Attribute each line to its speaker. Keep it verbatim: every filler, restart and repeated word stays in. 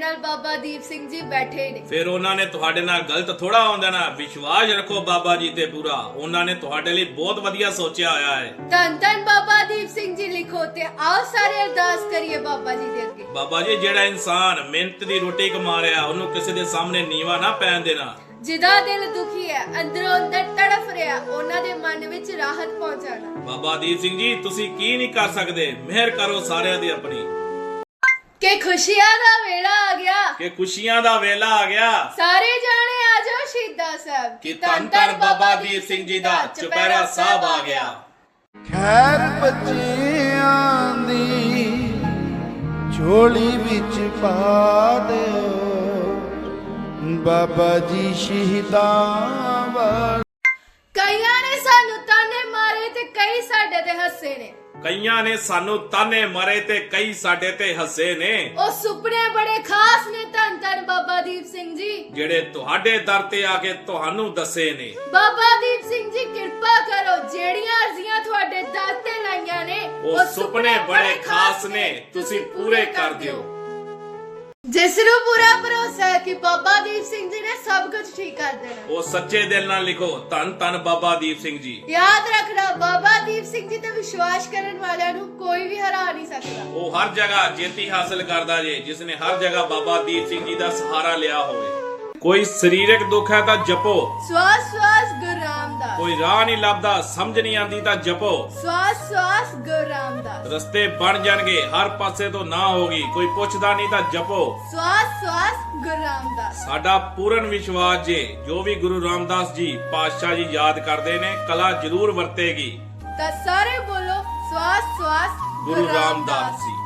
Speaker 1: ਨਾਲ ਬਾਬਾ ਦੀਪ ਸਿੰਘ ਜੀ ਬੈਠੇ ਨੇ।
Speaker 2: ਫਿਰ ਉਹਨਾਂ ਨੇ ਤੁਹਾਡੇ ਨਾਲ ਗਲਤ ਥੋੜਾ ਹੁੰਦਾ ਨਾ। ਵਿਸ਼ਵਾਸ ਰੱਖੋ ਬਾਬਾ ਜੀ ਤੇ ਪੂਰਾ, ਉਹਨਾਂ ਨੇ ਤੁਹਾਡੇ ਲਈ ਬਹੁਤ ਵਧੀਆ ਸੋਚਿਆ ਹੋਇਆ ਹੈ।
Speaker 1: ਧੰਨ ਧੰਨ ਬਾਬਾ ਦੀਪ ਸਿੰਘ ਜੀ ਲਿਖੋ ਤੇ ਆਓ ਸਾਰੇ ਅਰਦਾਸ ਕਰੀਏ ਬਾਬਾ ਜੀ ਦੇ ਅੱਗੇ।
Speaker 2: ਬਾਬਾ ਜੀ, ਜਿਹੜਾ ਇਨਸਾਨ ਮਿਹਨਤ ਦੀ ਰੋਟੀ ਕਮਾ ਰਿਹਾ ਉਹਨੂੰ ਕਿਸੇ ਦੇ ਸਾਹਮਣੇ ਨੀਵਾ ਨਾ ਪੈਣ ਦੇਣਾ।
Speaker 1: ਜਿਹਦਾ ਦਿਲ ਦੁਖੀ ਹੈ, ਅੰਦਰੋਂ ਅੰਦਰ ਤੜਫ ਰਿਹਾ, ਉਹਨਾਂ ਦੇ ਮਨ ਵਿੱਚ ਰਾਹਤ ਪਹੁੰਚਾਣਾ।
Speaker 2: ਬਾਬਾ ਦੀਪ ਸਿੰਘ ਜੀ, ਤੁਸੀਂ ਕੀ ਨਹੀਂ ਕਰ ਸਕਦੇ, ਮਿਹਰ ਕਰੋ ਸਾਰਿਆਂ ਦੀ ਆਪਣੀ।
Speaker 1: ਕਿ ਖੁਸ਼ੀਆਂ ਦਾ ਵੇਲਾ ਆ ਗਿਆ,
Speaker 2: ਕਿ ਖੁਸ਼ੀਆਂ ਦਾ ਵੇਲਾ ਆ ਗਿਆ।
Speaker 1: ਸਾਰੇ ਜਾਣੇ ਆ ਜਾਓ ਸ਼ਹੀਦਾਂ ਸਾਹਿਬ
Speaker 2: ਕਿ ਧੰਨ ਧੰਨ ਬਾਬਾ ਦੀਪ ਸਿੰਘ ਜੀ ਦਾ ਚੁਪਹਿਰਾ ਸਾਹਿਬ ਆ ਗਿਆ।
Speaker 3: ਖੈਰ ਬੱਚਿਆਂ ਦੀ ਝੋਲੀ ਵਿੱਚ ਪਾ ਦਿਓ, ਬਾਬਾ ਜੀ ਸ਼ਹੀਦਾਂ ਵਾਲੇ।
Speaker 1: ਕਈਆਂ ਨੇ ਸਾਨੂੰ ਤਾਨੇ ਮਾਰੇ ਤੇ ਕਈ ਸਾਡੇ ਤੇ ਹੱਸੇ ਨੇ।
Speaker 2: ਕਈਆਂ ਨੇ ਸਾਨੂੰ ਤਾਨੇ ਮਾਰੇ ਤੇ ਕਈ ਸਾਡੇ ਤੇ ਹੱਸੇ ਨੇ।
Speaker 1: ਉਹ ਸੁਪਨੇ ਬੜੇ ਖਾਸ ਨੇ ਧੰਨ ਧੰਨ ਬਾਬਾ ਦੀਪ ਸਿੰਘ ਜੀ,
Speaker 2: ਜਿਹੜੇ ਤੁਹਾਡੇ ਦਰ ਤੇ ਆ ਕੇ ਤੁਹਾਨੂੰ ਦੱਸੇ ਨੇ।
Speaker 1: ਬਾਬਾ ਦੀਪ ਸਿੰਘ ਜੀ ਕਿਰਪਾ ਕਰੋ, ਜਿਹੜੀਆਂ ਅਰਜ਼ੀਆਂ ਤੁਹਾਡੇ ਦਰ ਤੇ ਲਾਈਆਂ ਨੇ
Speaker 2: ਉਹ ਸੁਪਨੇ ਬੜੇ ਖਾਸ ਨੇ, ਤੁਸੀਂ ਪੂਰੇ ਕਰ ਦਿਓ।
Speaker 1: ਜਿਸ ਨੂੰ ਪੂਰਾ ਭਰੋਸਾ ਹੈ ਕਿ ਬਾਬਾ ਦੀਪ ਸਿੰਘ ਜੀ ਨੇ ਸਭ ਕੁਝ ਠੀਕ ਕਰ ਦੇਣਾ,
Speaker 2: ਉਹ ਸੱਚੇ ਦਿਲ ਨਾਲ ਲਿਖੋ, ਧੰਨ ਧੰਨ ਬਾਬਾ ਦੀਪ ਸਿੰਘ ਜੀ।
Speaker 1: ਯਾਦ ਰੱਖਣਾ ਬਾਬਾ ਦੀਪ ਸਿੰਘ ਜੀ ਤੇ ਵਿਸ਼ਵਾਸ ਕਰਨ ਵਾਲਿਆਂ ਨੂੰ ਕੋਈ ਵੀ ਹਰਾ ਨਹੀਂ ਸਕਦਾ।
Speaker 2: ਉਹ ਹਰ ਜਗ੍ਹਾ ਜੇਤੀ ਹਾਸਲ ਕਰਦਾ ਜੇ, ਜਿਸ ਨੇ ਹਰ ਜਗ੍ਹਾ ਬਾਬਾ ਦੀਪ ਸਿੰਘ ਜੀ ਦਾ ਸਹਾਰਾ ਲਿਆ ਹੋਵੇ। ਕੋਈ ਸਰੀਰਕ ਦੁੱਖ ਹੈ ਤਾਂ ਜਪੋ,
Speaker 1: ਸਵਾਸ ਸਵਾਸ ਗੁਰੂ ਰਾਮਦਾਸ।
Speaker 2: ਕੋਈ ਰਾਹ ਨਹੀਂ ਲੱਭਦਾ, ਸਮਝ ਨਹੀਂ ਆਉਂਦੀ ਤਾਂ ਜਪੋ।
Speaker 1: ਸਵਾਸ ਸਵਾਸ ਗੁਰੂ ਰਾਮਦਾਸ।
Speaker 2: ਰਸਤੇ ਬਣ ਜਾਣਗੇ, ਹਰ ਪਾਸੇ ਤੋਂ ਨਾ ਹੋਗੀ, ਕੋਈ ਪੁੱਛਦਾ ਨਹੀਂ ਤਾਂ ਜਪੋ।
Speaker 1: ਸਵਾਸ ਸਵਾਸ ਗੁਰੂ ਰਾਮਦਾਸ।
Speaker 2: ਸਾਡਾ ਪੂਰਨ ਵਿਸ਼ਵਾਸ ਜੇ ਜੋ ਵੀ ਗੁਰੂ ਰਾਮਦਾਸ ਜੀ ਪਾਤਸ਼ਾਹ ਜੀ ਯਾਦ ਕਰਦੇ ਨੇ, ਕਲਾ ਜ਼ਰੂਰ ਵਰਤੇਗੀ।
Speaker 1: ਤਾਂ ਸਾਰੇ ਬੋਲੋ ਸਵਾਸ ਸਵਾਸ
Speaker 2: ਗੁਰੂ ਰਾਮਦਾਸ ਜੀ।